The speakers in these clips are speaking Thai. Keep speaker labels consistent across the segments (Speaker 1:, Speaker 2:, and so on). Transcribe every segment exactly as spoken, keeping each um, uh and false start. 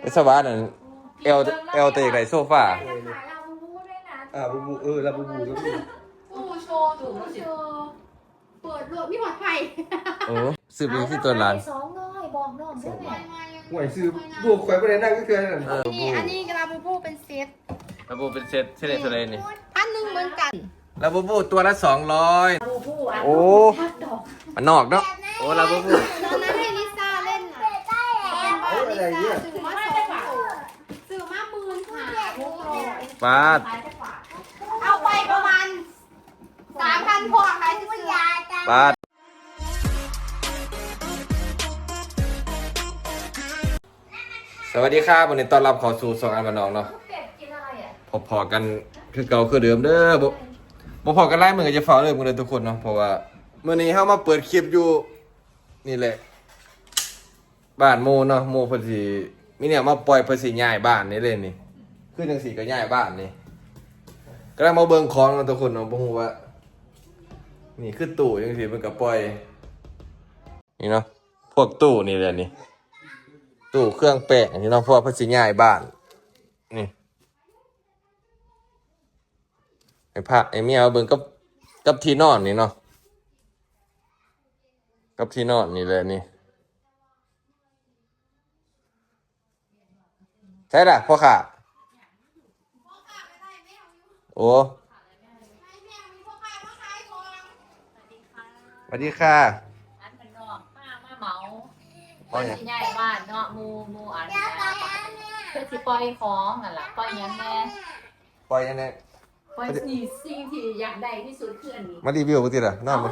Speaker 1: สวานั่นเอลเอลเตะไก่โซฟา
Speaker 2: ขายลาบูบูด้วยนะ
Speaker 3: อ่าบูบูเออลาบูบูก็มี
Speaker 2: บูโชว์ถูกโชว์เปิดรถมีหัวไผ่
Speaker 1: โอ้สืบเองที่ตัวร้าน
Speaker 2: สองร้อยบอกน้องใช่ไหม
Speaker 3: ห่วยซื้อบูข่อยไปได้นั่งก็คือนั่น
Speaker 2: นี่อันนี้ลาบูบูเป็นเซต
Speaker 1: ลาบูเป็นเซตเซตเท่าไรนี่
Speaker 2: พันหนึ่งเหมือนกัน
Speaker 1: ลาบูบูตัวละสองร้อย
Speaker 2: ลาบูบูอ่ะ
Speaker 1: โอ้มันนอกเนาะโอ้ลาบูบู
Speaker 2: ตอนนั้นให้ลิซ่าเล่นน่ะเออลิซ่าซื้อมาสองซื้อมาหมื่นค่ะ
Speaker 1: ปาด
Speaker 2: เอาไปประมาณสามพันพอขายซื้อยาจ้า
Speaker 1: ปาดสวัสดีครับวันนี้ต้อนรับเข้าสู่สองอันมานองเนาะพอๆกันคือเก่าคือเดิมเด้อบ่บ่พอกันไล่มือจะฝ่าเลยมือเลยทุกคนเนาะเพราะว่ามื้อนี้เฮามาเปิดคลิปอยู่นี่แหละบ้านโมเนาะโมเพิ่นสิมีเนี่ยมาปล่อยเพิ่นสิย้ายบ้านนี่เลยนี่คือจังซี่ก็ย้ายบ้านนี่กำลังมาเบิ่งของเนาะทุกคนเนาะบ่ฮู้ว่านี่คือตู้จังซี่เพิ่นก็ปล่อยนี่เนาะพวกตู้นี่แหละนี่ตู้เครื่องแป้งนี่เนาะเพราะว่าเพิ่นสิย้ายบ้านนี่ไอ้พระไอ้เมียเอาเบิ่งกับกับที่นอนนี่เนาะกับที่นอนนี่แหละนี่ใช่ล่ะพ่อค่ะโอ้สวัสดีค่ะ
Speaker 4: อันเป็นนอกป้ามาเหมาเพื่อสิใหญ่บ้านเนาะมูมูอันเพื่อสิปล่อยของอ่ะล่ะปล่อยยังแน่
Speaker 1: ปล่อยยังไง
Speaker 4: ปล่อยสิ่งสิ่งที่อยากได้ที่สุดคืออันนี้
Speaker 1: มารีวิวปกติล่ะนอนมั้ย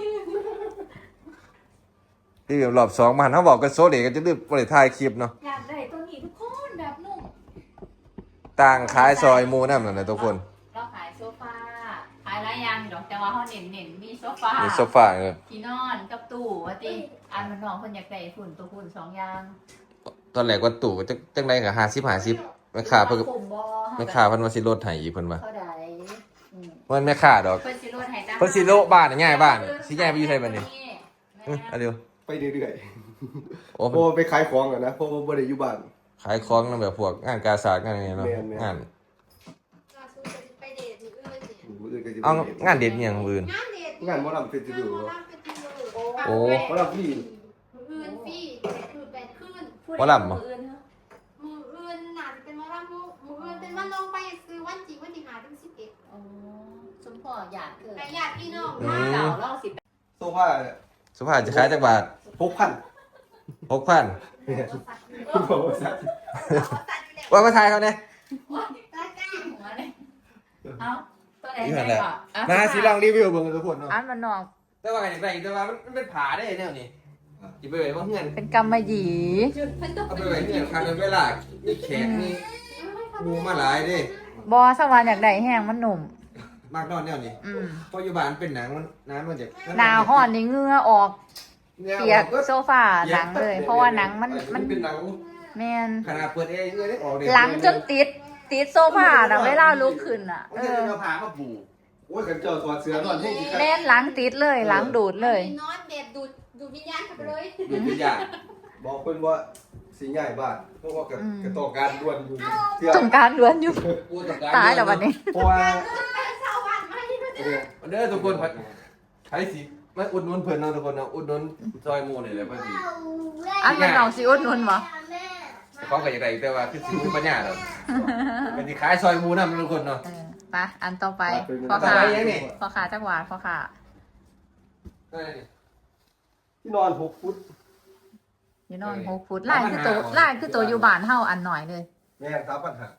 Speaker 1: รีวิวรอบสองมาหันเขาบอกกันโซเด็กกันจะรีบบริถ่ายคลิปเนาะ
Speaker 4: อยากได้ตัวนี้ทุกคนแบบนุ่ม
Speaker 1: ต่างขายซอยมูนั่นแหละทุกคน
Speaker 4: เราขายโซฟาขายหลายอย่างดอกแต่ว่าเขาเน้นเน้นมีโซฟา
Speaker 1: มีโซฟาเลย
Speaker 4: ที่นอนกับตู้ว่าติอันมันน้องคนอยากได้ฝุ่นตัวฝุ่นสองอย่าง
Speaker 1: ตอนแรกว่าตู่ก็จะจังไรกับห้าสิบห้าสิบแม่ค้าเพิ่นก็
Speaker 4: คุมบ่
Speaker 1: แม่ค้าเพิ่นว่าสิลดให้อีกเพิ่นว่า
Speaker 4: เขาได้อืม
Speaker 1: เพิ่นแม่ค้าดอก
Speaker 4: เพิ่นสิโลดให้จ้า
Speaker 1: เพิ่นสิโลบ้านง่ายบ้านสิง่ายไปอยู่ไสบัดนี้อื้อเอาเร็ว
Speaker 3: ไปเรื่อย
Speaker 1: โอ้
Speaker 3: ๆโอ้ไปขายของอ่ะนะเพราะว่าบ่ได้อยู่บ้าน
Speaker 1: ขายของนำแบบพวกงานกาสาดงานอะไรเนาะ
Speaker 3: แม่นๆ
Speaker 1: งาน
Speaker 2: ไปเดทอื่นสิ
Speaker 3: มื้ออื่นก็สิ
Speaker 1: เอางานเด็ดอหย่างอื่น
Speaker 2: งานเดท
Speaker 3: งานหมอลำเฟสติวัล
Speaker 1: โอ้
Speaker 3: หมอลำพี่
Speaker 2: อื่นพี่คือแปดคืน
Speaker 1: หมอลำเหรอ
Speaker 4: ผู้ใดมืออื่นเหรอ
Speaker 2: มืออื่นน่าจะเป็นมะระมือมืออื่นเป็นวันลงไปซื้อวันจริงวันที่หาถึงสิบเอ็ด
Speaker 4: อ๋อสมพ่ออยากเกิด
Speaker 2: แต่ญาติพี่น้อง
Speaker 1: อื
Speaker 2: มาม
Speaker 4: เก่าเล่าสิบ
Speaker 3: โซฟา
Speaker 1: สุภาพจะขายจักบาท
Speaker 3: หกพัน
Speaker 1: หกพัน
Speaker 3: คุณบอกว่าสัตว์
Speaker 1: ว่ามาทายเขาเนี่ย
Speaker 4: หัวเลยเอาตัวไหน
Speaker 1: นี่
Speaker 4: ไหน
Speaker 1: แหละ
Speaker 4: ก่อนอ่ะ
Speaker 1: มาสิลองรีวิวเบิ่งทุกคนเนาะ
Speaker 4: อันมันนอก
Speaker 1: แต่ว่าอย่างไรแต่ว่ามันเป็นผาได้แนวนี้จิไปไว้ว่าเงิน
Speaker 4: เป็นกำมะหยี่
Speaker 1: เอาไปไว้เงินครั้งเวลานี่แขกนี่งูมาหลายเด้
Speaker 4: บอสวรรค์อยากได้แห้งมันหนุ่ม
Speaker 1: มากนอนแนวนี้
Speaker 4: อืม
Speaker 1: พออยู่บ้านเป็นหนังมันน้ำมันจะ
Speaker 4: หนาวห่อนนี่เหงื่อออกเปียกโซฟาหนังเลย เพราะว่าหนังมันมัน
Speaker 1: เป็นหนัง
Speaker 4: แมน
Speaker 1: ขนาดเปิดเองเลยได้ออกเลย
Speaker 4: หลังจนติดติดโซฟาน่ะเวลาลุกขึ้นอ่ะ
Speaker 1: มัน
Speaker 4: เอ
Speaker 1: จะ
Speaker 4: อ
Speaker 1: เอาผ้ามาปู
Speaker 3: โอ้ยกันเจ้าสวัสดิ์เสือนอนให้กี่ครั้ง
Speaker 4: แม่นหลังติดเลยหลังดูดเลย
Speaker 2: นอนแบบดูดดูดวิญญาณเข้าไปเลย
Speaker 1: ดูวิญญาณ
Speaker 3: บอกเพิ่นว่าสิง่ายบ้านเพราะว่ากับกระต่อการด่วนอยู่เที่ย
Speaker 4: ต้องการล้วนอยู่
Speaker 1: กูต้องการ
Speaker 4: ตายแล้ววันนี้
Speaker 3: เพราะว่า
Speaker 2: ชาวบ้านไม่ได้
Speaker 3: เนี่ย
Speaker 1: มันเด้อทุกคนใช้สีมาอุดหนุนเพิ่นเนาะทุกคนเนาะอุดหนุนซอยหมูนี่แหละเพิ่นสิ
Speaker 4: อันมันน้องสิอุดหนุนบ่
Speaker 1: เขาก็อยากได้แต่ว่าคือสิมีปัญญาดอกเป็นสิขายซอยหมูนำทุกคนเนาะ
Speaker 4: เออไปอันต่อไปพ่อ
Speaker 1: ต่อ
Speaker 4: ขา
Speaker 1: ไปยังนี่
Speaker 4: พ่อขาจักหวาดพ่อขา
Speaker 1: นั่นนี่
Speaker 3: ที่นอนหกฟุต
Speaker 4: อยู่นอนหกฟุตลายคือโตลายคือโตอยู่บ้านเฮาอันหน่อยเลย
Speaker 3: แม่นสามปัญหา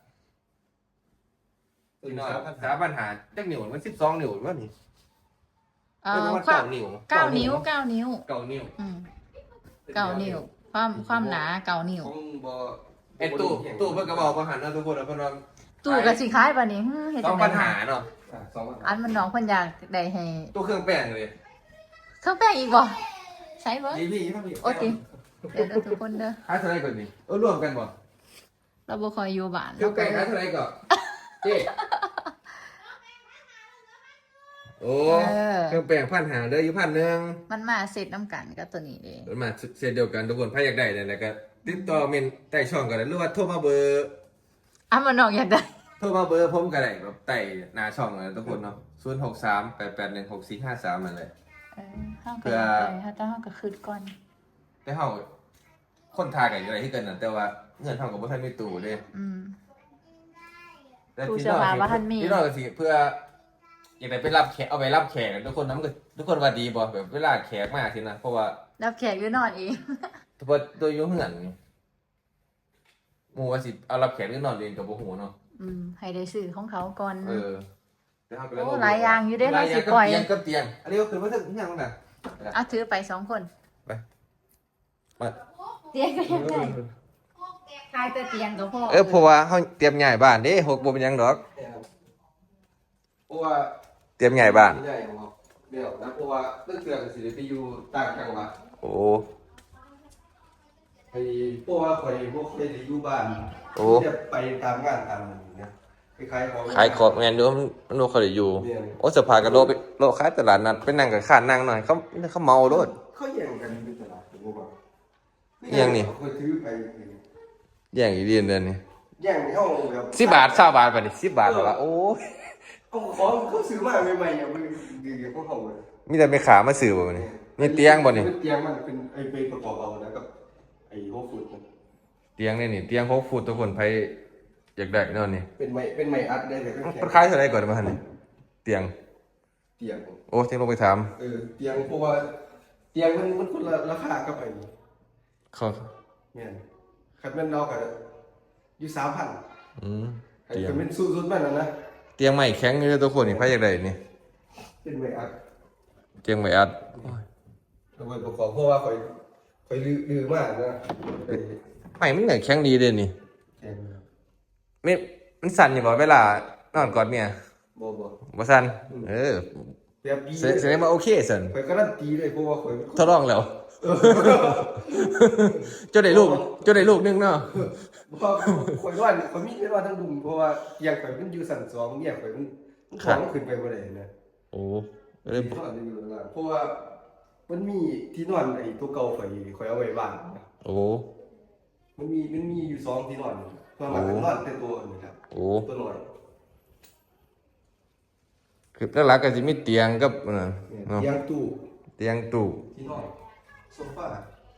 Speaker 1: พี่น้องสาปัญหาจักนิ้วมันสิบสองนิ้วว่านี่
Speaker 4: เอ่
Speaker 1: เอ
Speaker 4: อ
Speaker 1: อ
Speaker 4: ความ
Speaker 1: เก้านิ้ว
Speaker 4: เก้านิ้วเก้านิ้ว
Speaker 1: เก้านิ้ว
Speaker 4: อืมเก้านิ้ว ความความหนาเก้านิ้ว
Speaker 1: ของบ่ไอ้ตู้ตู้เพิ่นก็บอกว่าหันเนาะทุกคนเนาะเพิ่นว่า
Speaker 4: ตู้กับสิคล้ายปะนี่ฮึเฮ็ด
Speaker 1: ต้
Speaker 4: จั
Speaker 1: อง
Speaker 4: ง
Speaker 1: ปั
Speaker 4: ได๋
Speaker 1: ญหาเนาะ
Speaker 3: อ่ะสองปัญหา
Speaker 4: อันมันน้องเพิ่นอยากได้ให้
Speaker 1: ตู้เครื่องแป้งเลย
Speaker 4: เครื่องแป้งอีกบ่ใช้บ่
Speaker 1: นี่พี่พี่
Speaker 4: โอเคเดี๋ยวเด้อทุกคนเด้อ
Speaker 1: ขายเท่าไหร่ก่อนนี่เออรวมกันบ่
Speaker 4: เราบ่ค่อยอยู่บ้าน
Speaker 1: เครื่องแป้งขายเท่าไหร่ก่อนเจ๊โอ้เครื่องแป้งพันหาเด้ออยู่พันหนึ่ง
Speaker 4: มันมาเสร็จน้ำกันกับตัวนี้เด้
Speaker 1: มันมาเซตเดียวกันทุกคนถ้าอยากได้เนี่ยก็ติดต่อเมนแต่ช่องก็ได้หรือว่าโทรมาเบอร์
Speaker 4: อ่ะมันน้องอยากได้
Speaker 1: โทรมาเบอร์ผมก็ได้แบบไต่หน้าช่องเลยทุกคนเนาะศูนย์หกสามแปดแปดหนึ่งหกสี่ห้าสามมันเลย
Speaker 4: เออห้าง
Speaker 1: เพื่
Speaker 4: ก็
Speaker 1: อ
Speaker 4: อยากได้ถ้าต้องห้างก็คืดก่อน
Speaker 1: แต่เฮาคนทายกันอะไรที่เกินนั่นแต่ว่าเงินเฮากับบ่ทันมีตู้เด้
Speaker 4: อืม
Speaker 1: แต่
Speaker 4: ตู้
Speaker 1: ที่
Speaker 4: เสื้อผ้าบ่ทันมี
Speaker 1: ที่นอกก็สิเพื่ออยากได้ไปรับแขกเอาไปรับแขกทุกคนนำก็ทุกคนว่าดีบ่แบบเวลาแขกมาสินะเพราะว่า
Speaker 4: รับแขกอยู่นอนเอง
Speaker 1: ตัวตัวอยู่เฮือนนี่หมู่ว่าสิเอารับแขกหรือนอนเรียนกับบ่ฮู้เนาะ
Speaker 4: อืมให้ได้ซื้อของเขาก่อน
Speaker 1: เออแต่เฮาก็เลย
Speaker 4: โอ้หลายอย่างอยู่เด้
Speaker 1: หลายอ
Speaker 4: เราสิ
Speaker 1: ย่างกับ
Speaker 4: ปล่อย
Speaker 1: เตียงกับเตียงอันนี้ก็คือว่าถึงยังน่ะ
Speaker 4: เอาถือไปสองคน
Speaker 1: มา
Speaker 4: เตียงก็ยังได้ทายแต่เตียงก็พอ
Speaker 1: เออเพราะว่าเฮาเตรียมย้ายบ้านเด้หกบ่เป็นหยังดอก
Speaker 3: เพราะว่า
Speaker 1: เตรียมย้ายบ้าน
Speaker 3: ใหญ่ของเราเดี๋ยวนะเพราะว่าเรื่องเตือนสิไปอยู่ต่างจังหวัด
Speaker 1: โอ้
Speaker 3: ไอ้เพราะว่าคอยพวกเคยได้อยู่บ้าน
Speaker 1: โอ้
Speaker 3: จะไปตามงานตามอะไรอย่างเงี้ยคล้ายๆของ
Speaker 1: ขายของแม่นดูมันมันบ่ค่อยได้อยู่โอ้สภาก็โลไปโลขายตลาดนัดไปนั่งกับข้านนั่งหน่อยเขาเขาเมาโลด
Speaker 3: เขาแย่งกันในตลาดผมว่า
Speaker 1: แย่งนี่
Speaker 3: คอยถือไป
Speaker 1: แย่งอีเดียนเดือนนี้
Speaker 3: แย่งในห้องแบบ
Speaker 1: สิบบาท20บาทบัดนี้สิบบาทแล้วล่ะโอ้ย
Speaker 3: เอาของเขาซื้อมาใหม่ๆเนี่ยมันดีๆพวกเขาเลย
Speaker 1: มีแต่ไปขามาซื้อบ่บัดนี้มีเตียงบ่นี่
Speaker 3: เตียงมันเป็นไอ้ไปประกอบเอานะกับไอ้โฮฟูดมัน
Speaker 1: เตียงนี่นี่เตียงหกฟุตทุกคนไผอยากได้เนาะนี่
Speaker 3: เป็นไม้เป็นไม้อัดได้เลยเป็นแข็
Speaker 1: มัน
Speaker 3: ง
Speaker 1: ขายเท่าไหร่ก่อนมาหั่นนี่เตียง
Speaker 3: เตียง
Speaker 1: โอ้เตียงลงไปถาม
Speaker 3: เออเตียงเพราะว่าเตียงมันมันคนละราคากับไอ้
Speaker 1: เขา
Speaker 3: เนี่ยคันแม่นเราก็อยู่สามพัน
Speaker 1: อืม
Speaker 3: ไอ้
Speaker 1: เตียง
Speaker 3: คันเป็นสูตรมันนะนะ
Speaker 1: เตียงใหม่แข็งอยู่เด้อทุกคนนี่ไผอยากได้นี่
Speaker 3: เป็นไม้อัด
Speaker 1: เตียงใหม่อัดโอ้ย
Speaker 3: เอาไว้ประกอบเพราะว่าคอยคอยลือลือมากนะไอ้
Speaker 1: ใหม่มันก็แข็งดีเด้นี่
Speaker 3: แข็ง
Speaker 1: ไม่มันสั่นอยู่บ่เวลานอนกอดเมีย
Speaker 3: บ่บ่
Speaker 1: บ่สั่นเออ
Speaker 3: แบบดี
Speaker 1: แสแสดงว่าโอเคสั่น
Speaker 3: คอยการันตีเลยเพราะว่าคอย
Speaker 1: ทดลองแล้วเจ้าได้ลูกเจ้าได้ลูกหนึงเนาะ
Speaker 3: เพราะคอยว่าคอยมีไม่ว่าทั้งดุมเพราะว่าเตียงคอยมันอยู่สั่นสองเนี่ยคอยมันมันของมันขึ้นไปบ่ได้นะ
Speaker 1: โอ้
Speaker 3: ที่นอนอยู่ข้างล่างเพราะว่ามันมีที่นอนไอ้ตัวเก่าคอยคอยเอาไว้บ้านนะ
Speaker 1: โอ้
Speaker 3: มันมีมันมีอยู่สองที่นอนตอนหลังเป็นนอนเป็นตัวอื่นครับ
Speaker 1: โอ้
Speaker 3: ตัวหน่อย
Speaker 1: คือหลักๆก็สิมีเตียงกับนั่น
Speaker 3: เนี่ย
Speaker 1: เนาะ
Speaker 3: เตียงตู้
Speaker 1: เตียงตู้
Speaker 3: ที่นอนโซฟา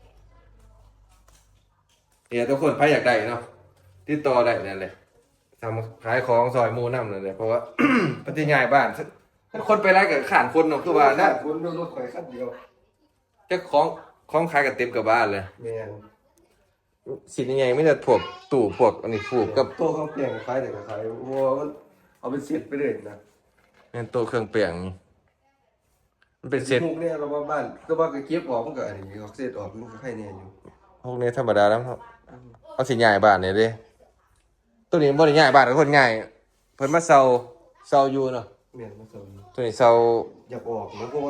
Speaker 1: เนี่ยทุกคนใครอยากได้เนาะติดต่อได้นั่นแหละทำขายของซอยหมู่นำนั่นแหละเพราะว่า ปฏิญาณบ้านถ้าคนไปไล่กับขานคนเนาะคือว่านะ
Speaker 3: คนรถข่อยคันเดียว
Speaker 1: เจ้าของของขายกับเต็มกับบ้านเลย
Speaker 3: แม่น
Speaker 1: สิยังไงไม่ได้พวกตู้พวกอันนี้ผูกกับ
Speaker 3: โต๊ะข้าวเปียงขายแต่ก็ขายเพราะว่ามันเอาเป็นเศษไปเลยนะ
Speaker 1: เนี่ยโต๊ะเครื่องเปลี่ยงนี่มันเป็นเซต
Speaker 3: พวกเนี่ยเราว่าบ้านก็ว่าก็เก็บออกมันก็อันนี้ออกเศษออกมันก็ใครเนี่ยอยู่
Speaker 1: พวกนี้ธรรมดาแล้วครับเอาสิง่ายบ้านเนี่ยเด้ตัวนี้บ่ได้ง่ายบ้านกับคนง่ายเพิ่นมาเซาเซาอยู่เนาะ
Speaker 3: แม่นมาสอน
Speaker 1: ตัวนี้เซา
Speaker 3: อยากออกนะเพราะว่า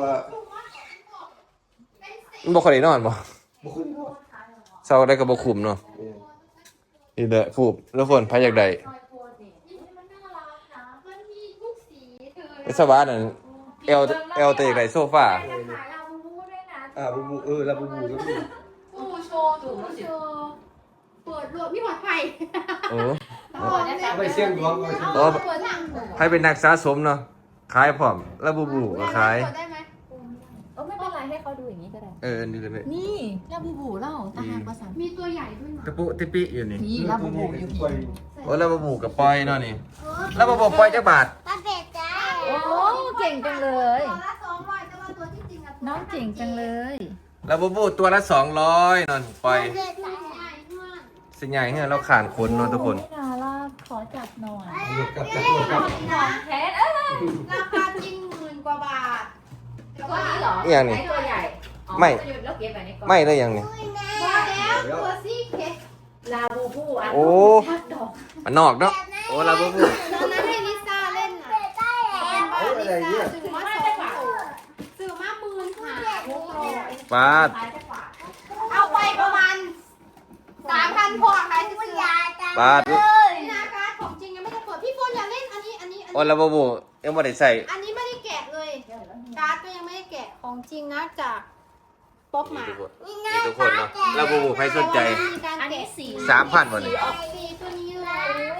Speaker 1: มันบ่ค่อยได้นอนบ่
Speaker 3: บ่คุ้นเนาะ
Speaker 1: เซาได้ก็บ่คุ้มเนาะ
Speaker 3: แม่น
Speaker 1: นี่แหละผูกทุกคนใครอยากได้
Speaker 2: มันน่ารักนะมันมีทุกสีเธอ
Speaker 1: ไอ้สวานั่นเอลเอลเตอยากได้โซฟา
Speaker 2: ขายลาบูบูด้วยนะ
Speaker 3: อ่าบูบูเออลาบูบูแล้วมี
Speaker 2: บูโชว์ถูกโชว์เปิดรวมมีหอดไฟ
Speaker 1: โอ้
Speaker 3: ไปเสี่ยงดวงไปเสี่ยงด
Speaker 1: โอ้
Speaker 3: วง
Speaker 2: เปิดทางหัว
Speaker 1: ใครเป็นนักสะสมเนาะขายพร้อมแล้วบูบูก็ขาย
Speaker 2: เปิดได้ไหม
Speaker 4: เออไม่เป็นไรให้เขาดูอย่างนี้ก็ได้
Speaker 1: เออนี่ก็ได้
Speaker 4: นี่ลาบูบูเล่าตาหากภาษา
Speaker 2: มีตัวใหญ่ด้วยนะ
Speaker 1: ตะปุติปิอยู่นี่
Speaker 4: นี่ลาบูบูอยู่พี่
Speaker 1: โอ้แล้วบูบูกับปอยเนาะนี่แล้วบูบูปอยจักบาท
Speaker 2: ปลาเป็ดจ้า
Speaker 4: โอ้เก่งจังเลย
Speaker 2: ตัวละสองร้อยแต่ว่าตัวที่จริงอะ
Speaker 4: น้องเก่งจังเลย
Speaker 1: แล้วบูบูตัวละสองร้อยนอนปอย
Speaker 2: เป็ดใหญ่มาก
Speaker 1: สิใหญ่เฮ้ยเราขานคนเนาะทุกคน
Speaker 4: น่ารักขอจับหน่อย
Speaker 3: หยุดกับจับหยุดกับ
Speaker 4: ของแท้เอ้ย
Speaker 2: ราคาจริงหมื่นกว่าบาทแต่
Speaker 4: ตัว
Speaker 2: ว่า
Speaker 4: นี้เหรอ
Speaker 1: อย่างนี้
Speaker 4: ไหตัวใหญ่อ๋อ
Speaker 1: ไม่
Speaker 4: ตัวใหญ่แล้วเก็บไปในกล่อง
Speaker 1: ไม่ได้ยังนี่
Speaker 2: มาแล้วตัวซี่เค้ก
Speaker 4: ลาบูบูอัน
Speaker 1: โอ้
Speaker 4: ทักดอก
Speaker 1: มันนอกเนาะโอ้แล้วบูบู
Speaker 2: ตอนนั้นให้ลิซ่าเล่นน่ะเป็นบ้านลิซ่าซื้อมาสองตัวซื้อมาหมื่นห้าหกร้อย
Speaker 1: ปาด
Speaker 4: ขายจักบาท
Speaker 2: เอาไปประมาณสามพันพอขายซื้อยาจ้า
Speaker 1: ปาด
Speaker 2: นี่นะการ์ดของจริงยังไม่ได้เปิดพี่โฟนอย่าเล่นอันนี้อันนี้อัน
Speaker 1: โอ้
Speaker 2: นี้
Speaker 1: แล้วบูบูยังไม่ได้ใส่
Speaker 2: อันนี้ไม่ได้แกะเลย การ์ดก็ยังไม่ได้แกะของจริงนะจากป๊อปหมา
Speaker 1: นี่ทุกคนเนาะแล้วบูบูใครสนใจ
Speaker 2: มีการ
Speaker 4: อันนี้
Speaker 2: แกะ
Speaker 4: สี
Speaker 1: สามพันวันนี้
Speaker 2: ออกสีตัวนี้เลย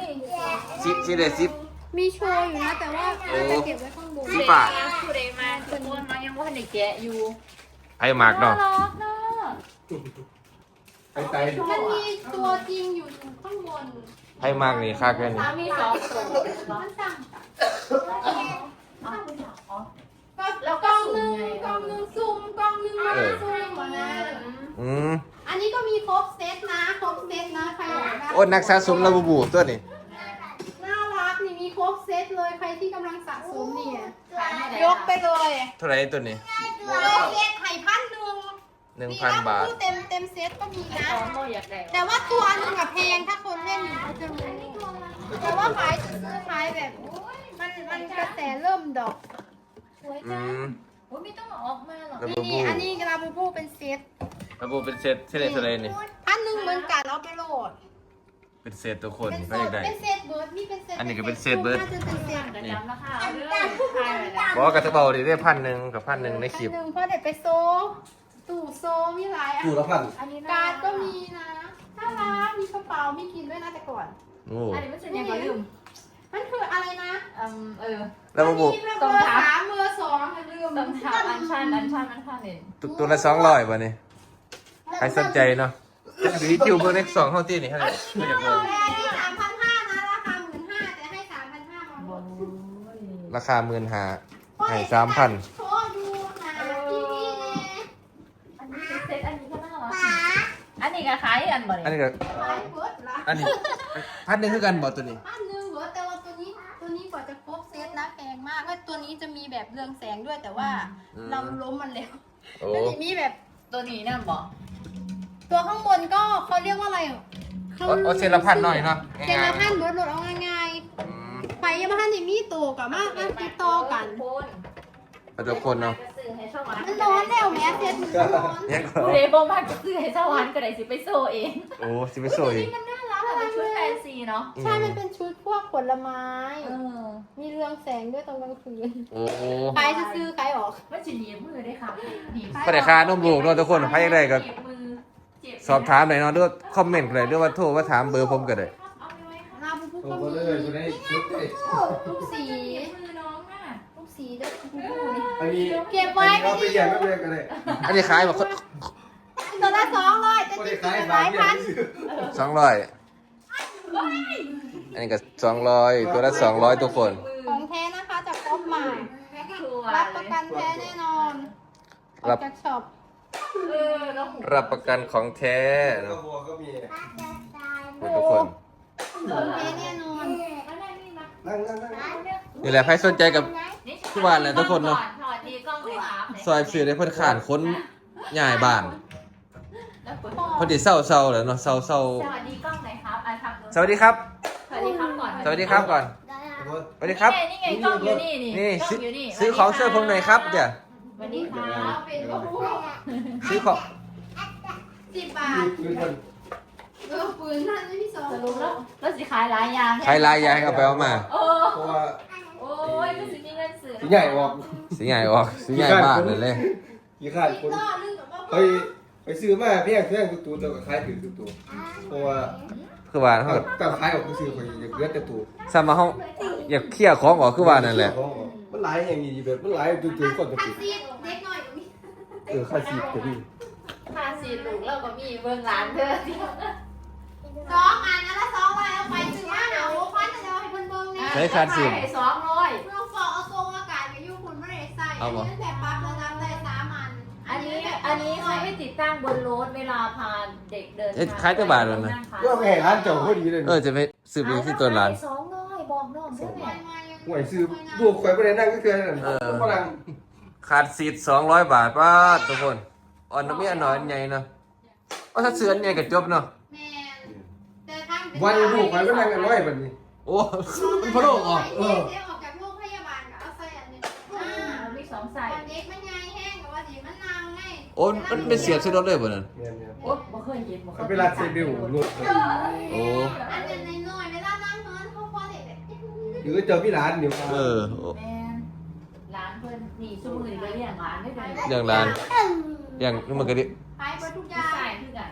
Speaker 1: ซิซิเดซิป
Speaker 2: มีโชว์อยู่นะแต่ว่า
Speaker 1: โอ้
Speaker 2: เราจะเก็บไว้ข้างบน
Speaker 1: สีฟ้า
Speaker 4: ผู้ใดมาทุกคนมายังว่าในแกะอยู่
Speaker 1: ไอ้หมากเนาะ
Speaker 4: รักเนาะ
Speaker 3: ไปไต
Speaker 2: มันมีตัวจริงอยู่ข้างบน
Speaker 1: ไอ้หมากนี่ค่าแค่นี้
Speaker 4: สามีสองตัว
Speaker 2: มันสั่ง
Speaker 4: อ๋ออ๋อ
Speaker 2: ก็แล้วกล้องหนึงกล้องหนึงซูมกล้องหนึงมาซูมมานะ
Speaker 1: อืม
Speaker 2: อันนี้ก็มีครบเซตนะครบเซตนะใครอยากได้
Speaker 1: โอ้นักสะสมแล้วบูบูตัวนี้
Speaker 2: น่ารักนี่มีครบเซตเลยใครที่กำลังสะสมเนี่ย
Speaker 4: ขายให้ได้
Speaker 2: ยกไปเลย
Speaker 1: เท่าไหร่ตัวนี้
Speaker 2: ยกเซตไข่พันหนึ่ง
Speaker 1: หนึ่งพันบาท
Speaker 2: เต็มเต็มเซตก็มีนะ
Speaker 4: สองโมอยากได้
Speaker 2: แต่ว่าตัวหนึงอะแพงถ้าคนเล่นอยู่เขาจะรู้แต่ว่าขายซื้อขายแบบมันมันกระแสเริ่มดอก
Speaker 4: สวย
Speaker 1: อื
Speaker 4: จัง
Speaker 1: ม
Speaker 4: โอ้ยไม่ต้องเอาออกมาหรอก
Speaker 1: แล้ว
Speaker 2: นี่นี่อันนี้กระลาบูบูเป็นเซต
Speaker 1: แล้วบูเป็นเซตเท่าไหร่เท่าไหร่นี่
Speaker 2: พันหนึ่งเหมือนกันเอาไปโหลด
Speaker 1: เป็นเซตตัวคน
Speaker 2: เป็น
Speaker 1: ไม่
Speaker 2: เซ
Speaker 1: อยา
Speaker 2: ต
Speaker 1: กได้
Speaker 2: เป็นเซตเบิร์ดนี่เป็นเซต
Speaker 1: อันนี้ก็เป็นเซตเบิร์ด
Speaker 2: น่าจะเป็นเซต
Speaker 4: กระจำราคาเอาเรื่องขายเลยนะ
Speaker 1: บอกว่ากระเป๋าดิได้พันหนึ่งกับพันหนึ่งในคลิป
Speaker 2: อันหนึ่งเพราะเด็กไปโซตู้โซมีหลายอัน
Speaker 3: ตู้ละพัน
Speaker 4: อันนี้
Speaker 2: การ์ดก็มีนะน่ารักมีกระเป๋ามีกินด้วยนะแต่ก่อน
Speaker 1: โอ้
Speaker 4: อันนี้ไม่ใช่ยังไงลืม
Speaker 2: มันคืออะไรนะ
Speaker 4: อืมเออ
Speaker 1: แล้วบูบู
Speaker 2: มีเบอร์สามเบอร์สองอย่าลืม
Speaker 4: ต้องทำอันชันอันชันอันชันเนี่ย
Speaker 1: ตัวตัวละสองร้อยวันนี้ใครสนใจเนาะหรือคิวเบอร์เล็กสองเข้าที่นี่เท่าไหร่ไม่อยาก
Speaker 2: เอ
Speaker 1: เงิ
Speaker 2: อน แม่นี่สามพันห้านะราคาหมื่นห้าแต่ให้สามพันห้ามาหมด
Speaker 1: ราคาหมื่นหาให้สามพัน
Speaker 2: โชว์ดูนะทีวีเลย
Speaker 4: อันนี้เป็นเซตอันนี้ก็น่ารักอันนี้ก็ขายอันบ่
Speaker 1: อัน
Speaker 4: เนี่ย
Speaker 1: นี้ก็
Speaker 2: ขายเบิร์ดละ
Speaker 1: อันนี้พันหนึ่งคือกันบอกตัวนี้
Speaker 2: พันหนึ่งเหรอแต่ว่าตัวนี้ตัวนี้กว่าจะครบเซตนะแพงมากแล้วตัวนี้จะมีแบบเรืองแสงด้วยแต่ว่าเราล้มมันแล้ว
Speaker 1: โอ้
Speaker 2: แล้วทีนี้แบบ
Speaker 4: ตัวนี้นั่นบอก
Speaker 2: ตัวข้างบนก็เขาเรียกว่าอะไรอ่ะ
Speaker 1: โอ้โอ้เซนละพันหน่อยเนาะ
Speaker 2: เซนละพั
Speaker 1: ง่าย
Speaker 2: นเบิร์ดรถเอาง่าย
Speaker 1: ๆอืม
Speaker 2: ๆไปยังมาทันที่มีโตกับมากมากติดต่อกัน
Speaker 4: คน
Speaker 1: เอาทุกคนเนาะ
Speaker 4: ซื้อให้สวรรค์
Speaker 2: มันร้อนแล้วแม่เซตมันร้อน
Speaker 1: เนี่ยก็
Speaker 4: ผู้ใดบ่มากจะซื้อให้สวรรค์ก็ได้สิไปโซเอง
Speaker 1: โอ้สิไปโซอีก
Speaker 2: มันน่ารัก
Speaker 4: ถ้า
Speaker 2: อะ
Speaker 4: เป็นชุด
Speaker 2: เล
Speaker 4: แฟ
Speaker 2: ย
Speaker 4: นซีเนาะ
Speaker 2: ใช่มันเป็นชุดพวกผลไม้
Speaker 4: เออ
Speaker 2: มีเรืองแสงด้วยตอนกลางคืน
Speaker 1: โอ้โห
Speaker 2: ใครจะซื้อใครออก
Speaker 4: มันจะหนีบมือได้ค่ะหนีบ
Speaker 1: ก็ได้ค่านมลูกเนาะทุกคนใครอยากได้ก็
Speaker 4: หนีบมือเจ็บ
Speaker 1: สอบถามหน่อยเนาะด้วยคอมเมนต์ก็ได้ด้วยว่าโทรว่าถามเบอร์ผมก็ได้
Speaker 4: เอาไปไว้ค่ะ
Speaker 2: ลาบูบู
Speaker 3: โอ้
Speaker 2: ก็
Speaker 3: โห
Speaker 2: มี
Speaker 3: เลยคนได้ชุดได้
Speaker 2: ทุกสี
Speaker 4: หนีบมือน้องน่ะ
Speaker 2: ทุกสีด้วยบูบูนี่
Speaker 3: อันนี้
Speaker 2: เก็บไว้
Speaker 3: เราไป
Speaker 2: ไม่
Speaker 3: แย่
Speaker 2: ได้
Speaker 3: งไม่แย่งกันเลย
Speaker 1: อันนี้ขายแบบ
Speaker 2: ตัวละสองร้อยจะ
Speaker 3: ก็
Speaker 2: ติ
Speaker 3: ได้
Speaker 2: ด
Speaker 3: ขาย
Speaker 2: หลาย
Speaker 3: บาท
Speaker 2: พัน
Speaker 3: ซื้อ
Speaker 1: สองร้อยอันนี้ก็สองร้อยตัวละสองร้อยทุกคน
Speaker 2: ของแท้นะคะจากครบใหม่
Speaker 4: ชัว
Speaker 2: รับ
Speaker 4: ร์
Speaker 2: ประ
Speaker 4: เลย
Speaker 2: กันแท้แน่นอนออกจากช็อป
Speaker 4: เออแล้วหู
Speaker 1: รับประกันของแท้
Speaker 3: กระ
Speaker 1: เนาะ
Speaker 3: บัวก็มี
Speaker 1: ทุกคน
Speaker 2: ของแท้แน่นอน
Speaker 4: อะไรนี่มา
Speaker 3: นั่งนั่งนั่ง
Speaker 1: นี่แหละใครสนใจกับ ทุกวันเลยทุกคนเนอะ
Speaker 4: ถอดทีกล้องเลยครับ
Speaker 1: ซอยซื้อได้เพิ่นขานค้นย้ายบ้าน
Speaker 4: แล้วกด
Speaker 1: พอดีเศร้าเศร้าๆแหล้วเนาะเศร้าเศร้า
Speaker 4: สวัสดีกล้องไหนครับอ่ะทำดู
Speaker 1: สวัสดีครับ
Speaker 4: สวัสดีครับก่อน
Speaker 1: สวัสดีครับก่อน สวัสดีครับ
Speaker 4: นี่ไงนี่ไงกล้องอยู่นี่นี่
Speaker 1: นี่
Speaker 4: กล้
Speaker 1: ซื้
Speaker 4: อ
Speaker 1: อง
Speaker 4: อยู่นี่
Speaker 1: ซื้อของช่วยผมหน่อยครับเดี๋ยว
Speaker 4: สวัสดีครับ
Speaker 2: เป็นบูบู
Speaker 1: ซื้อของ
Speaker 2: สิบบาท
Speaker 3: ยืนกัน
Speaker 2: เออปืนนั่นไม่มีสอง
Speaker 4: สรุปแล้วแล้วสิขายหลายอย่าง
Speaker 1: ใครลายยายเอาไปเอามา
Speaker 4: โอ้
Speaker 3: เพราะว่า
Speaker 4: โอ้ยก็สิมีเงินซื้อ
Speaker 3: สีใหญ่ออก
Speaker 1: สีใหญ่ออกสีใหญ่บ้านเลยเลย
Speaker 3: ยี่ขาดคน
Speaker 2: ต่อเรื่องกับว่า
Speaker 3: ไปไปซื้อมาเพียงเพียงตัวตัวก็ขายถือตัวตัวเพราะว่า
Speaker 1: คือว่าเขา
Speaker 3: ตั้งขายออกก็ซื้อคนอยากเลือดแต่ตัว
Speaker 1: สามมาห้องอยากเคลียร์ของออกคือว่านั่นแหละ
Speaker 3: มันหลายอย่างนี้แบบมันหลายตัวตัวก่อนตัว
Speaker 2: คัด
Speaker 3: ตัว
Speaker 2: ซีดเด็กหน่อยก็มี
Speaker 3: เออค่าซีดตัวนี้
Speaker 4: ค่าสีลูกเราก็มีเบื้องหลังเธอ
Speaker 2: สองอันนะละสองวันเอาไปซื้อมาหาโอ้ควันจะเอาให้เพิ่นเบิ่งนี่
Speaker 1: ใช้คาดสิบ
Speaker 4: สองร้อย
Speaker 2: เราฟอกเอาทรงอากาศไปอยู่คุณไม่ได้ใส่อันนี้ตั้งแต่ปรับระดับได้สามอัน
Speaker 4: อันนี้อันนี้เขาไม่ติดตั้งบนรถเวลาพาเด็กเดิน
Speaker 1: เอ๊ะขายแต่บาทแล้วนะ
Speaker 3: ก็แม่ร้านเจ้าพอดีเลย
Speaker 1: เออจะไปซื้อไปที่ตัวร้าน
Speaker 4: สองร้อยบอกน้องด้วยแม่
Speaker 3: ห่วยซื้อดูข่อยไปได้นั่งก็คือนั่นฝรั่ง
Speaker 1: ขาดซีดสองร้อยบาทป้าดทุกคนอ่อนน้ำเมียหน่อยอันใหญ่เนาะว่าถ้าเสืออันใหญ่กับจบเนาะ
Speaker 2: แม่แต่ทาง
Speaker 3: วันดูข่อยไปนั่งกันน้อยแบบนี้
Speaker 1: โอ้มันพะโลกออก
Speaker 2: เออออกจากโรงพยาบาลก็เอาใส่อันนี้อ่า
Speaker 4: มีสอง
Speaker 2: ต
Speaker 4: ใส่
Speaker 2: อนเด็กมันใหญ่แห้งกับว่าสิมันนางไง
Speaker 1: โอ้มันเป็นเสียบใส่รถเลยบ่นั่น
Speaker 3: เนี่ยเนี่ย
Speaker 4: โอ๊ยบ่เคยเห็นบ่เค
Speaker 3: เขา
Speaker 4: ย
Speaker 3: ไปรัดเซเบลรถ
Speaker 1: โอ้
Speaker 2: อันเป็นน้อยๆเวลานั่งเฮิร์นเขาพอเด็กแบบ
Speaker 3: หรือเจอพี่ร้านเดี๋ยว
Speaker 1: เออโอ้
Speaker 4: แม่ร้านเพิ่นนี่ชั่วมือนี่ก็เลี้ยงร้านได้เลย
Speaker 1: เรื่องร้าน
Speaker 2: เ
Speaker 1: อย่างนึกมันก็ดิ
Speaker 2: ขายหมดทุกอ
Speaker 4: ใช่
Speaker 2: ย่าง
Speaker 4: คือกัน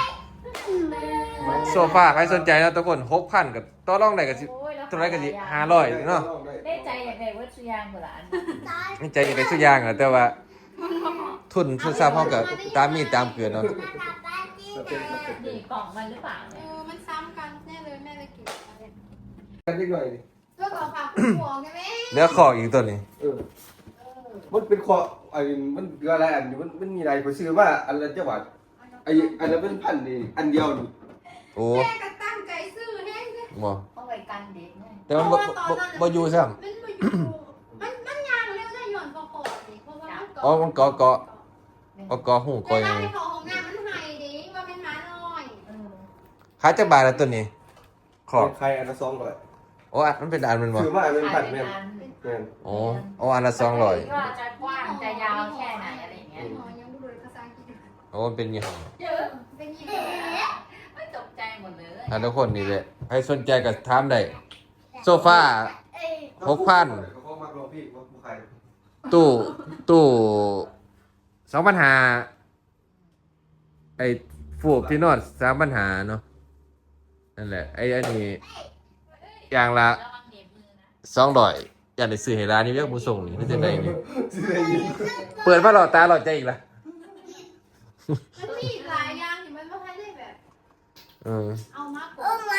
Speaker 1: โซฟาใครสนใจนะทุกคนหกพันกับต่อรองได้ก็สิ
Speaker 4: โอ้ยแล้ว
Speaker 1: ตัวไรก็สิห้าร้อยเนาะ
Speaker 4: ได้ใจอยากได้เวัตถุยางเปล่าอันนี้
Speaker 1: ใจอย่างไรสักอย่างอะแต่ว่า ทุนทุนทราบพร้อมกับตามมีตามเกลือเนาะ
Speaker 4: นี่กล่องมันหรือเปล่า
Speaker 2: เอ
Speaker 4: เนี่ย
Speaker 2: อมันซ้ำกันแน่เลยแม่เลยเก็บมาเลย
Speaker 3: กันนิดหน่อยดิ
Speaker 2: ตัวต่อฝากคุณหัวไงแม่
Speaker 1: เนื้อคออีกตัวนี้
Speaker 3: เออมันเป็นคอไอ้มันเกลืออะไรอันนี้มันมันมีอะไรผมซื้อว่าอันละเจ้าบาทไอ้อันนั้นเป็นพันนี่อันเดียวนี่
Speaker 1: โอ้
Speaker 2: แม่ก็ตั้งใจซื้อแน่เลย
Speaker 1: บ่
Speaker 4: เอาไว้กันเด็กเนี่ย
Speaker 1: แต่มันบ่บ่บ่อยู่ซ้ำ
Speaker 2: มันมาอยู่มันมันยางเร็วได้หย่อนคอคอดิเพราะว่ามัน
Speaker 1: อ๋อมันเกาะเกาะเอาเกาะหู
Speaker 2: เว
Speaker 1: กอยั
Speaker 2: ลาง ไปเข้าห้องน้ำมันหายดิว่าเป็นหมาน้อย
Speaker 4: เออ
Speaker 1: ขายจักบาทละตัวนี้ขอบ
Speaker 3: ใครอันละสองร้อย
Speaker 1: โอ้อันมันเป็นอันมันบ่
Speaker 3: ซื้อมาเป็น
Speaker 4: ขา
Speaker 3: พั
Speaker 4: ย
Speaker 3: น
Speaker 4: เป็
Speaker 3: แม่
Speaker 4: นอัน
Speaker 3: แม่น
Speaker 1: โอ้เอาอันละสองร้อย
Speaker 4: ว่าจะกว้างจะยาวแค่ไหนอะไรอย่างเงี้ย
Speaker 2: หมอยังพูดภาษาอังกฤษ
Speaker 1: โอ้มันเป็นยี่ห้อ
Speaker 4: เยอะ
Speaker 2: เป็นยี่ห้อ
Speaker 4: ไม่ตกใจหมดเลย
Speaker 1: อ่ะทุกคนนี่แหละใครสนใจก็ถามได้โซฟาหกพัน
Speaker 3: เขามักลองพี่ว่าผู้ใคร
Speaker 1: ตู้ตู้สองปัญหาไอ้ฟูกที่นอนสามปัญหาเนาะนั่นแหละไอ้อันนี้อย่างละ
Speaker 4: ระวังเหน็บมือนะ
Speaker 1: สองร้อยอยากได้ซื้อให้ร้านนี้เรียกผู้ส่งนี่ไม่ใช่ไงนี่
Speaker 3: ซื้อได้ยิน
Speaker 1: เปิดมาหลอดตาหลอดใจอีกละ
Speaker 2: มันมีหลายอย่างที่มันไม่ค่อยได้แบบ
Speaker 1: เออ
Speaker 2: เอามากกว่า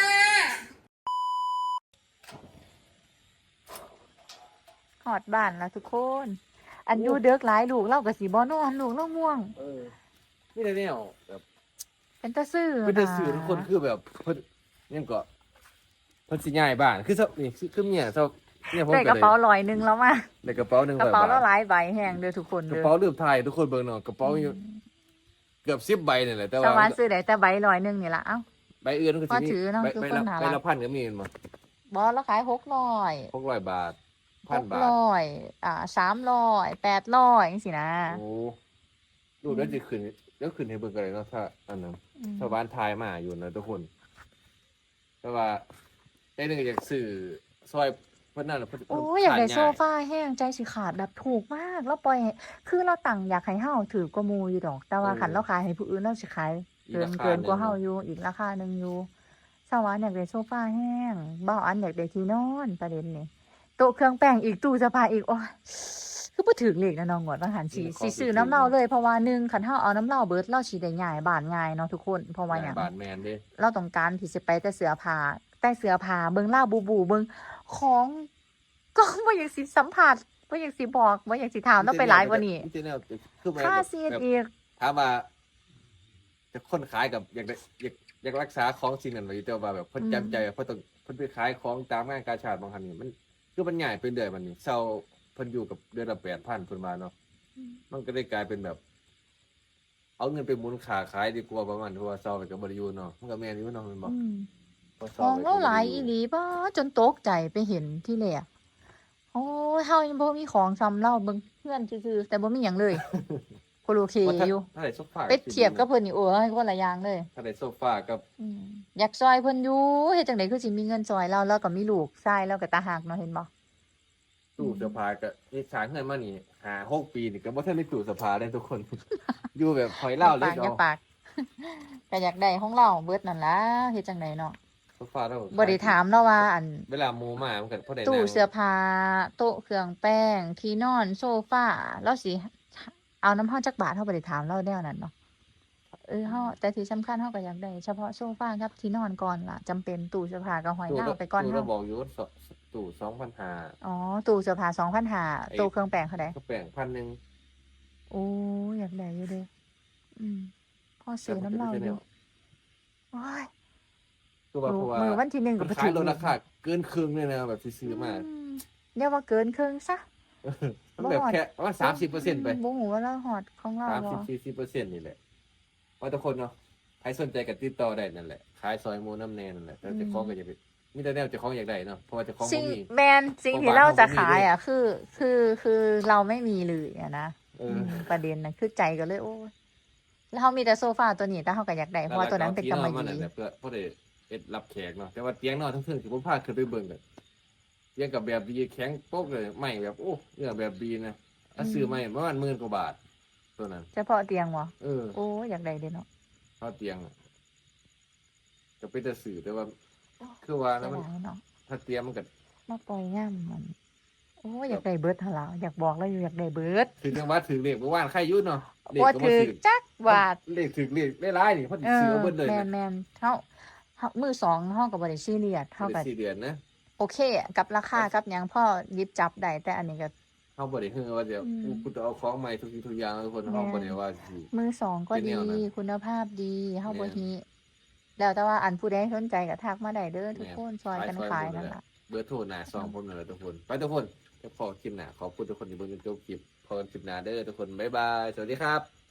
Speaker 5: หอดบ้านแล้วทุกคน อันอยูเด็กหลายลูกเล่ากับสีบอนอนลูกเล่าม่วง
Speaker 1: เออนี่แต่เนี่ยแบบ
Speaker 5: เป็นตาซื่อ
Speaker 1: เป็นแต่สื่อทุกคนคือแบบเพิ่นเนี่ยก็เพิ่นสิย้ายบ้านคือซะนี่คือเมียซะเนี่ยผม
Speaker 5: ได้
Speaker 1: ก็
Speaker 5: กระ
Speaker 1: ได้
Speaker 5: เป๋าลอยหนึงแล้วมา
Speaker 1: ได้กระเป๋าหนึ่ง
Speaker 5: กระ
Speaker 1: ร้อย
Speaker 5: เป๋า
Speaker 1: บา
Speaker 5: แล้ว
Speaker 1: ท
Speaker 5: หลายใบแห้งเด้อทุกคน
Speaker 1: กระ
Speaker 5: เด้อ
Speaker 1: เป๋าลืมไทยทุกคนเบิ่งเนาะกระเป๋าอยู่เกือบสิบใบนี่แหละแต่
Speaker 5: ส
Speaker 1: ว่า
Speaker 5: วรรค์ซื้อได้แต่ใบลอยหนึงนี่ละเอ้า
Speaker 1: ใบอื่นมันก็
Speaker 5: พอ
Speaker 1: สิมี
Speaker 5: ถือเนาะ
Speaker 1: ใบ
Speaker 5: คือ
Speaker 1: ใบ
Speaker 5: คน
Speaker 1: ละ
Speaker 5: หา
Speaker 1: ใบ
Speaker 5: รั
Speaker 1: ละ
Speaker 5: ก
Speaker 1: พันก็มีมา
Speaker 5: บอสแล้วขายหกร้อย
Speaker 1: หกร้อยบาทพั
Speaker 5: ห
Speaker 1: น
Speaker 5: ก
Speaker 1: บาท
Speaker 5: ร้อยอ่าสามร้อยแปดร้อยจังสินะ
Speaker 1: โอ้ดูแล้วจะขึ้นแล้วขึ้นให้เบิ่งกันเลยเนาะถ้าอันนั้น
Speaker 5: อืม
Speaker 1: ชาวบ้านทายมาอยู่นะทุกคน แต่ว่าได้หนึ่งอยากสื่อซอยเพื่อนนั่นน่ะเพิ่น
Speaker 5: โอ้ยอยากได้
Speaker 1: ข
Speaker 5: โซฟาแห้งใจสิขาดแบบถูกมากแล้วปล่อยให้คือเราตั้งอยากให้เฮาถือกว่าหมูอยู่ดอก แต่ว่าขันเราขายให้ผู้อื่นเราสิขาย
Speaker 1: อี
Speaker 5: เกิน
Speaker 1: รค
Speaker 5: เกินกว่าเฮา
Speaker 1: ห
Speaker 5: อยู่ อีกราคาหนึ่งอยู่สวรรค์อยากได้โซฟาแห้งบ่าวอันอยากได้ที่นอนประเด็นนี่โต๊ะเครื่องแป้งอีกตู้เสื้อผ้าอีกโอ้ยคือบ่ถึงเลขนะน้องงวดว่าหันสิสิซื้อน้ำเหล้าเลยเพราะว่าหนึ่งคันเฮาเอาน้ำเหล้าเบิดเราสิได้ย้ายบ้านง่ายเนาะทุกคนเพราะว่าหยัง
Speaker 1: บาทแมนเด้
Speaker 5: เราต้องการที่จะไปแต่เสื้อผ้าแต่เสื้อผ้าเบิ่งเหล้าบูบูเบิ่งของก็บ่อยากสิสัมผัสบ่อยากสิบอกบ่อยากสิถามต้องไปหลายกว่านี้
Speaker 1: มีแต่แนวคือแบบ
Speaker 5: ค่าเสีย
Speaker 1: แบบ
Speaker 5: อีก
Speaker 1: ถามว่าจะคนขายกับอยากได้อยากอยากรักษาของสิ่งนั้นไว้อยู่แต่ว่าแบบเพิ่นจำใจว่าเพิ่นต้องเพิ่นไปขายของตามงานกาชาดบางครั้งนี่มันคือมันใหญ่เป็นเดือนมันนี่เซาเพิ่นอยู่กับเดือนละแปดพันเพิ่นมาเนาะมันก็ได้กลายเป็นแบบ เอาเงินไปหมุนขาขายดีกว่าประมาณเพราะว่าเซาไปกับบริยูเนาะมันก็แม่นอยู่เนาะแมันบอก
Speaker 5: อืม
Speaker 1: เพราะ
Speaker 5: ข
Speaker 1: เซา
Speaker 5: อง
Speaker 1: ไปกั
Speaker 5: เรา
Speaker 1: บ
Speaker 5: หลาย
Speaker 1: บ่
Speaker 5: อี
Speaker 1: ได้
Speaker 5: หลีบ่จนตกใจไปเห็นที่แรกโอ้ยเฮายังบ่มีของซ้ำเราเบิ่งเพื่อนซื่อๆแต่บ่มีหยังเลยก็โอเค
Speaker 1: ว่าถ้า
Speaker 5: อยู่
Speaker 1: ถ้าได้โซฟา
Speaker 5: ไปเทียบกับเพิ่นนี่โอ้ยคนละอย่างเลย
Speaker 1: ถ้าได้โซฟากับ
Speaker 5: อืมอยากซอยเพิ่นอยู่เฮ็ดจังได๋คือสิมีเงินซอยเราแล้วก็มีลูกชายแล้วก็ตาหักเนาะเห็นบ่
Speaker 1: ตู้เสื้อผ้าก็นี่สร้างเงินมานี่หาหกปีนี่ก็บ่ทันได้ตู้เสื้อผ้าได้ทุกคน อยู่แบบหอยเล่าเลย
Speaker 5: ปากอย่า
Speaker 1: เนาะ
Speaker 5: ปาก ก็อยากได้ของเราเบิดนั่นล่ะเฮ็ดจังไดเนาะ
Speaker 1: โซฟาเรา
Speaker 5: บ่ได้ถามเนาะว่าอัน
Speaker 1: เวลาหมูมามันก็พอได้
Speaker 5: ตู้
Speaker 1: นั่ง
Speaker 5: เสื้อผ้าโต๊ะเครื่องแป้ง ที่นอนโซฟาแล้วสิเอาน้ำเฮาจักบาทเฮาบ่ได้ถามเราแนวนั้นเนาะเออเฮาแต่ที่สำคัญเฮาก็อยากได้เฉพาะโซฟากับที่นอนก่อนล่ะจำเป็นตู้เสื้อผ้าก็ห้อย
Speaker 1: ตู้
Speaker 5: หน้า
Speaker 1: เรา
Speaker 5: ไปก่อน
Speaker 1: ตู้
Speaker 5: เฮา
Speaker 1: เราบอกอยู่ว่าสตู้สองพันห้า
Speaker 5: อ๋อตู้เสื้อผ้าสองพันห้า
Speaker 1: ไอ้
Speaker 5: ตู้เครื่องแป้งเท่าใด
Speaker 1: ก็แบ่งพันหนึ่ง
Speaker 5: โอ้อยากได้อยู่เด้อืมพอซื้อน้ำเหล้าอยู่โอ้ย
Speaker 1: คือว่าเพราะว่า
Speaker 5: มือวันที่หนึ่ง
Speaker 1: มั
Speaker 5: ก็
Speaker 1: น
Speaker 5: บ่
Speaker 1: ขาย
Speaker 5: ถึง
Speaker 1: ลดราคาเกินครึ่งเลยนะแบบที่ซื้อมา
Speaker 5: อืมเรียกว่าเกินครึ่งซะ
Speaker 1: มันแบบแค่ประมาณสามสิบเปอร์เซ็นต์ไป
Speaker 5: บ่ฮู้ว่าเราฮอดของเรา
Speaker 1: สาม
Speaker 5: บ่
Speaker 1: สิบสี่สิบเปอร์เซ็นต์นี่แหละว่าทุกคนเนาะใครสนใจกับติดต่อได้นั่นแหละขายซอยหมูน้ำแนนนั่นแหละแต่เจ้าของก็อยากได้มีแต่แนวเจ้าของอยากได้เนาะเพราะว่าเจ้าของ
Speaker 5: สิ่
Speaker 1: บ่
Speaker 5: ง
Speaker 1: มี
Speaker 5: แมนสิ่ง
Speaker 1: ของ
Speaker 5: ที่
Speaker 1: บ้าน
Speaker 5: เราจะ
Speaker 1: เขาบ่มี
Speaker 5: ขาย
Speaker 1: เลย
Speaker 5: อ่ะคือคือคือเราไม่มีเลยอะนะ
Speaker 1: เออ
Speaker 5: มประเด็นน่ะคือใจก็เลยโอ้ยแล้วเขามีแต่โซฟาตัวนี้แต่เขาก็อยากได้เพราะว่าตัวนั้นเป็นกำมะ
Speaker 1: หลักๆ
Speaker 5: ห
Speaker 1: ที่
Speaker 5: ยี่
Speaker 1: นอนมันน่ะเพื่อเพื่อได้เอ็ดรับแขกเนาะแต่ว่าเตียงนอนทั้งเทิงที่ผมพาขึ้นไปเบิ่งกันเตียงกับแบบดีแข็งโป๊กเลยไม่แบบโอ้เนื้อแบบดีนะถ้าซื้อไม่ประมาณหมื่นกว่าบาทตัวนั้น
Speaker 5: เฉพาะเตียงบ่
Speaker 1: เออ
Speaker 5: โอ้อยากได้เด้เนาะ
Speaker 1: เข้าเตียงอะก็เป็นแต่สื่อแต่ว่า คือว่า
Speaker 5: เสี
Speaker 1: นะ
Speaker 5: ย
Speaker 1: มัน
Speaker 5: ดายเนาะ
Speaker 1: ถ้าเตรียมมันก็
Speaker 5: มาปล่อยย่ำมัน โอ้อยากได้เบิดหั่นล่ะอยากบอกแล้วอยู่อยากได้เบิด
Speaker 1: ถึงจังหวัดถึงเลขเมื่อวานใครอยุ่เนาะเลข
Speaker 5: บ่
Speaker 1: ก็บ่
Speaker 5: ถือ
Speaker 1: ถึง
Speaker 5: จักบาท
Speaker 1: เลขถึงเลขได้หลายนี่เพราะสิ
Speaker 5: เอ
Speaker 1: ซื้อ
Speaker 5: อ
Speaker 1: เอาเบิดเลย
Speaker 5: แม่
Speaker 1: นะ
Speaker 5: นแม่นเฮาเฮามือสองเฮาก็บ่ได้ซีเรียสเฮา
Speaker 1: ได้
Speaker 5: ก็
Speaker 1: สี่เดือนนะ
Speaker 5: โอเคอะกับราคากับหยังพ่อหยิบจับได้แต่อันนี้ก็
Speaker 1: เฮาบ่ได้เฮือว่าเดี๋ยว
Speaker 5: อืม
Speaker 1: กูกูจะเอาของใหม่ทุกสิ่งทุกอย่างทุกคนเฮาบ่ได้ว่าสิ
Speaker 5: มือสองก็
Speaker 1: เป็นแน
Speaker 5: ดี
Speaker 1: วนั้น
Speaker 5: คุณภาพดีเฮาบ่
Speaker 1: แม่น
Speaker 5: ฮีแล้วแต่ว่าอันผู้ใดสนใจก็ทักมาได้เด้อทุก
Speaker 1: แม่น
Speaker 5: คนซอยกัน
Speaker 1: ขายซอย
Speaker 5: ขาย
Speaker 1: หมด
Speaker 5: นั่น
Speaker 1: เลย
Speaker 5: ล่ะ
Speaker 1: เบอร์โทรหน้าซองผมนั่นแหละทุกคนไปทุกคนจะพอคลิปหน้าขอบคุณทุกคนที่เบิ่งจนจบคลิปพอกันคลิปหน้าเด้อทุกคนบ๊ายบายสวัสดีครับ